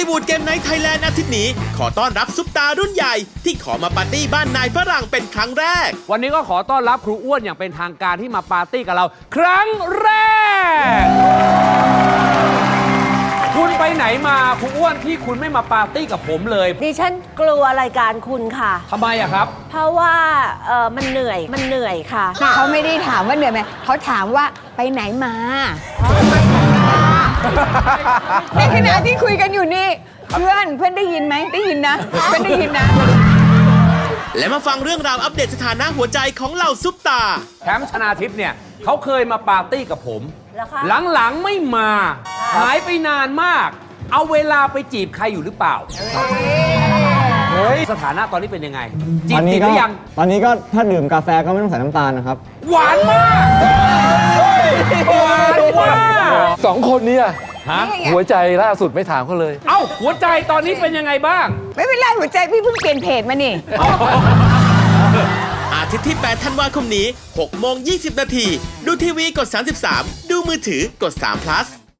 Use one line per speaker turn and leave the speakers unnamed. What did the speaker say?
ลิวูดเกมไนท์ไทยแลนด์อาทิตย์นี้ขอต้อนรับซุปตารุ่นใหญ่ที่ขอมาปาร์ตี้บ้านนายฝรั่งเป็นครั้งแรก
วันนี้ก็ขอต้อนรับครูอ้วนอย่างเป็นทางการที่มาปาร์ตี้กับเราครั้งแรกคุณไปไหนมาครูอ้วนที่คุณไม่มาปาร์ตี้กับผมเลย
ดิฉันกลัวรายการคุณค่ะ
ทำไมอะครับ
เพราะว่ามันเหนื่อยค่ะ
เขาไม่ได้ถามว่าเหนื่อยไหมเขาถามว่าไปไหนมาในขณะที่คุยกันอยู่นี่เพื่อนได้ยินไหมได้ยินนะเพื่อนได้ยินนะ
และมาฟังเรื่องราวอัปเดตสถานะหัวใจของเหล่าซุปตา
แชมป์ชนาทิพย์เนี่ยเขาเคยมาปาร์ตี้กับผมหลังๆไม่มาหายไปนานมากเอาเวลาไปจีบใครอยู่หรือเปล่าสถานะตอนนี้เป็นยังไงจีบติดหรือยัง
ตอนนี้ก็ถ้าดื่มกาแฟก็ไม่ต้องใส่น้ำตาลนะครับ
หวานมากหวานมาก
สองคนนี้หัวใจล่าสุดไม่ถามเขาเลย
เอ้าหัวใจตอนนี้เป็นยังไงบ้าง
ไม่เป็นไรหัวใจพี่เพิ่งเปลี่ยนเพจมานี่
อาทิตย์ที่ 8 ธันวาคมนี้ 6:20 น.ดูทีวีกด 33 ดูมือถือกด3 plus